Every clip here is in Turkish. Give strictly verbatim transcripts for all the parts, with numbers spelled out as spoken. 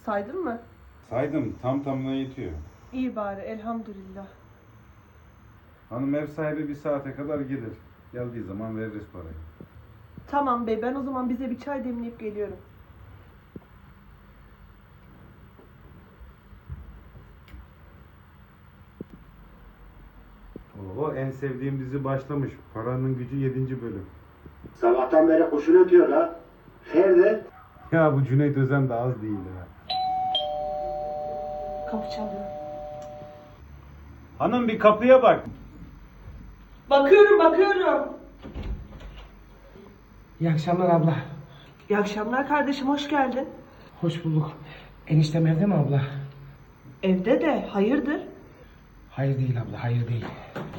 Saydın mı? Saydım, tam tamına yetiyor. İyi bari, elhamdülillah. Hanım ev sahibi bir saate kadar gelir. Geldiği zaman veririz parayı. Tamam bey, ben o zaman bize bir çay demleyip geliyorum. Oo, en sevdiğim dizi başlamış. Paranın Gücü yedinci bölüm. Sabahtan beri kuşun ötüyor la. Ferdi. Ya bu Cüneyt Özen de az değil ya. Kapı çalıyor. Hanım bir kapıya bak. Bakıyorum, bakıyorum. İyi akşamlar abla. İyi akşamlar kardeşim, hoş geldin. Hoş bulduk. Eniştem evde mi abla? Evde de, hayırdır? Hayır değil abla, hayır değil.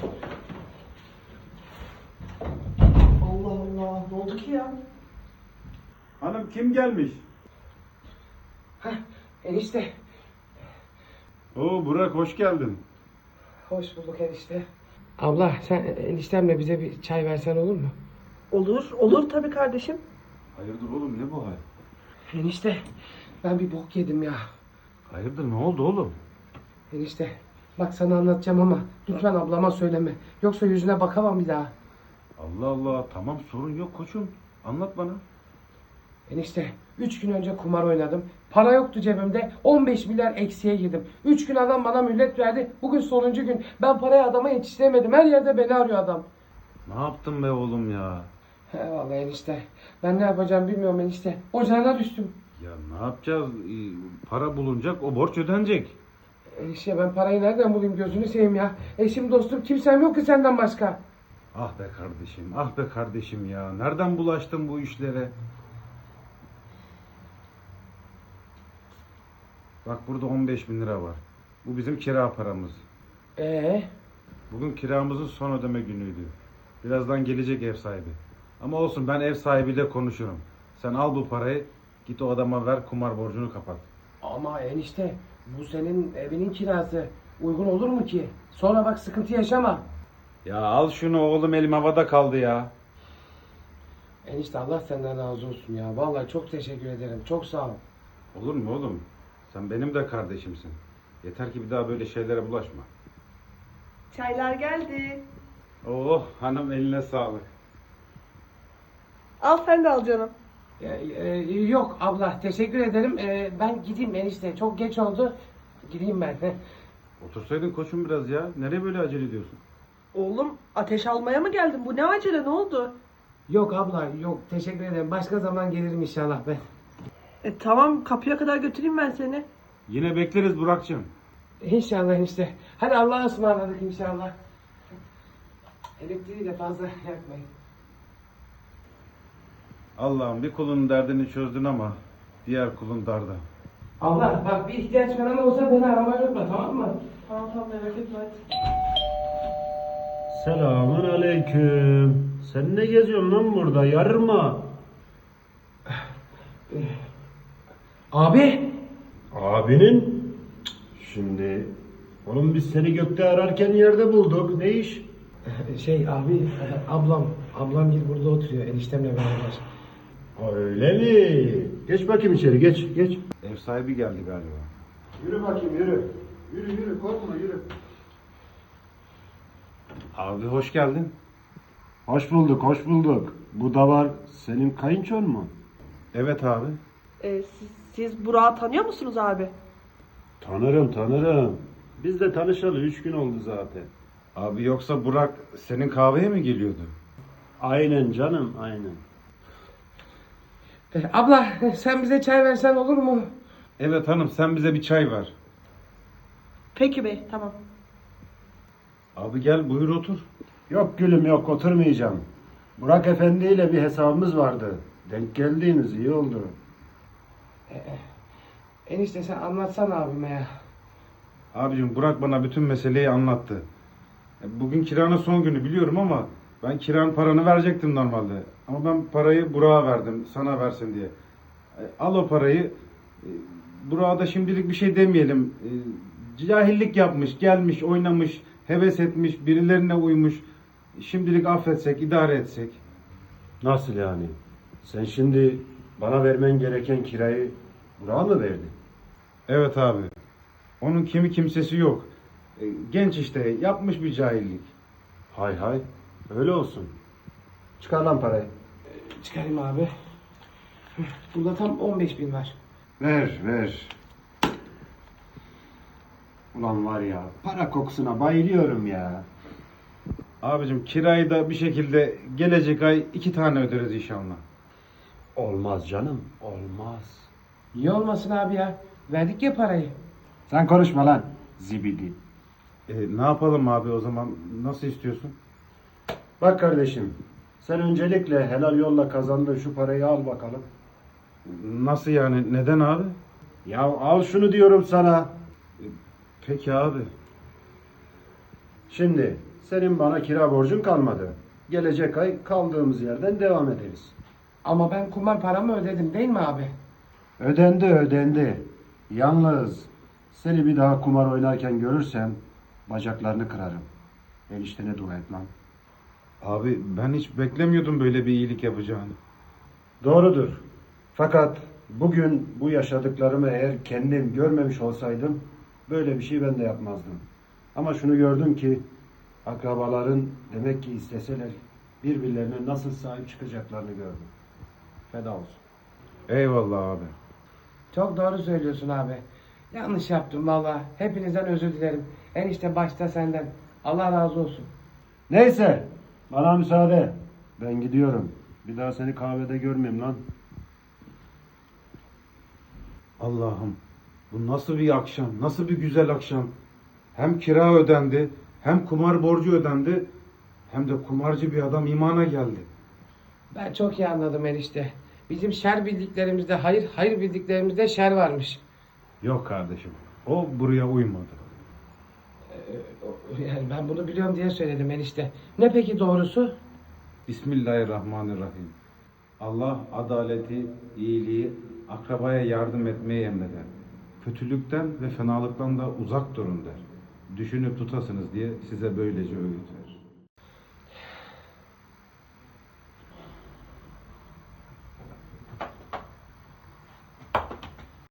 Allah Allah, ne oldu ki ya? Hanım kim gelmiş? Hah, enişte. Oo Burak hoş geldin. Hoş bulduk enişte. Abla sen eniştemle bize bir çay versen olur mu? Olur, olur tabii kardeşim. Hayırdır oğlum ne bu hal? Enişte ben bir bok yedim ya. Hayırdır ne oldu oğlum? Enişte bak sana anlatacağım ama lütfen ablama söyleme. Yoksa yüzüne bakamam bir daha. Allah Allah tamam sorun yok koçum. Anlat bana. Enişte üç gün önce kumar oynadım. Para yoktu cebimde. on beş milyar eksiye girdim. üç gün adam bana mühlet verdi. Bugün sonuncu gün. Ben parayı adama yetiştiremedim. Her yerde beni arıyor adam. Ne yaptın be oğlum ya? He vallahi enişte. Ben ne yapacağım bilmiyorum enişte. Ocağına düştüm. Ya ne yapacağız? Ee, Para bulunacak o borç ödenecek. Enişte ben parayı nereden bulayım gözünü seveyim ya. Eşim dostum kimsem yok ki senden başka. Ah be kardeşim, ah be kardeşim ya. Nereden bulaştın bu işlere? Bak burada on beş bin lira var. Bu bizim kira paramız. Ee, Bugün kiramızın son ödeme günüydü. Birazdan gelecek ev sahibi. Ama olsun ben ev sahibiyle konuşurum. Sen al bu parayı, git o adama ver kumar borcunu kapat. ama enişte bu senin evinin kirası. Uygun olur mu ki? Sonra bak sıkıntı yaşama. Ya al şunu oğlum elim havada kaldı ya. Enişte Allah senden razı olsun ya. Vallahi çok teşekkür ederim. Çok sağ ol. Olur mu oğlum? Sen benim de kardeşimsin. Yeter ki bir daha böyle şeylere bulaşma. Çaylar geldi. Oh hanım eline sağlık. Al sen de al canım. Ee, e, yok abla teşekkür ederim. Ee, ben gideyim enişte. Çok geç oldu. Gideyim ben. Heh. Otursaydın koçum biraz ya. Nereye böyle acele ediyorsun? Oğlum, ateş almaya mı geldin? Bu ne acele, ne oldu? Yok abla yok teşekkür ederim. Başka zaman gelirim inşallah ben. E tamam, kapıya kadar götüreyim ben seni. Yine bekleriz Burak'cığım. İnşallah enişte. Hadi Allah'a ısmarladık inşallah. Elektriği de fazla yakmayın. Allah'ım bir kulun derdini çözdün ama diğer kulun darda. Allah bak bir ihtiyaç falan olsa beni aramayı unutma tamam mı? Tamam tamam, merak etme hadi. Selamun aleyküm. Sen ne geziyorsun lan burada? Yarma. Abi. Abinin? Şimdi oğlum biz seni gökte ararken yerde bulduk. Ne iş? Şey abi ablam. Ablam gel burada oturuyor eniştemle beraber. Ha, öyle mi? Geç bakayım içeri geç geç. Ev sahibi geldi galiba. Yürü bakayım yürü. Yürü yürü korkma yürü. Abi hoş geldin. Hoş bulduk hoş bulduk. Bu da var senin kayınçon mu? Evet abi. E, siz, siz Burak'ı tanıyor musunuz abi? Tanırım tanırım. Biz de tanışalı üç gün oldu zaten. Abi yoksa Burak senin kahveye mi geliyordu? Aynen canım aynen. E, abla sen bize çay versen olur mu? Evet hanım sen bize bir çay ver. Peki bey, tamam. Abi gel buyur otur. Yok gülüm yok oturmayacağım. Burak Efendi ile bir hesabımız vardı. Denk geldiğiniz iyi oldu. Enişte sen anlatsana abime ya. Abicim Burak bana bütün meseleyi anlattı. E, Bugün kiranın son günü biliyorum ama ben kiranın paranı verecektim normalde. Ama ben parayı Burak'a verdim sana versin diye. E, Al o parayı. E, Burak'a da şimdilik bir şey demeyelim. E, Cahillik yapmış, gelmiş, oynamış, heves etmiş, birilerine uymuş. Şimdilik affetsek, idare etsek. Nasıl yani? Sen şimdi bana vermen gereken kirayı Burak'a mı verdin? Evet abi. Onun kimi kimsesi yok. E, genç işte, yapmış bir cahillik. Hay hay. Öyle olsun. Çıkar lan parayı. Çıkarayım abi. Burada tam on beş bin var. Ver ver. Ulan var ya, para kokusuna bayılıyorum ya. Abicim kirayı da bir şekilde gelecek ay iki tane öderiz inşallah. Olmaz canım, olmaz. Niye olmasın abi ya? Verdik ya parayı. Sen konuşma lan, zibidi. E, ne yapalım abi o zaman? Nasıl istiyorsun? Bak kardeşim, sen öncelikle helal yolla kazandığın şu parayı al bakalım. Nasıl yani? Neden abi? Ya al şunu diyorum sana. Peki abi. Şimdi senin bana kira borcun kalmadı. Gelecek ay kaldığımız yerden devam ederiz. Ama ben kumar paramı ödedim değil mi abi? Ödendi ödendi. Yalnız seni bir daha kumar oynarken görürsem bacaklarını kırarım. Eniştene dua et lan. Abi ben hiç beklemiyordum böyle bir iyilik yapacağını. Doğrudur. Fakat bugün bu yaşadıklarımı eğer kendim görmemiş olsaydım böyle bir şey ben de yapmazdım. Ama şunu gördüm ki akrabaların demek ki isteseler birbirlerine nasıl sahip çıkacaklarını gördüm. Feda olsun. Eyvallah abi. Çok doğru söylüyorsun abi. Yanlış yaptım valla. Hepinizden özür dilerim. Enişte başta senden. Allah razı olsun. Neyse bana müsaade. Ben gidiyorum. Bir daha seni kahvede görmeyeyim lan. Allah'ım bu nasıl bir akşam, nasıl bir güzel akşam. Hem kira ödendi, hem kumar borcu ödendi, hem de kumarcı bir adam imana geldi. Ben çok iyi anladım enişte. Bizim şer bildiklerimizde hayır, hayır bildiklerimizde şer varmış. Yok kardeşim, o buraya uymadı. Yani ben bunu biliyorum diye söyledim enişte. Ne peki doğrusu? Bismillahirrahmanirrahim. Allah adaleti, iyiliği, akrabaya yardım etmeyi emreder. Kötülükten ve fenalıktan da uzak durun der. Düşünüp tutasınız diye size böylece öğütler.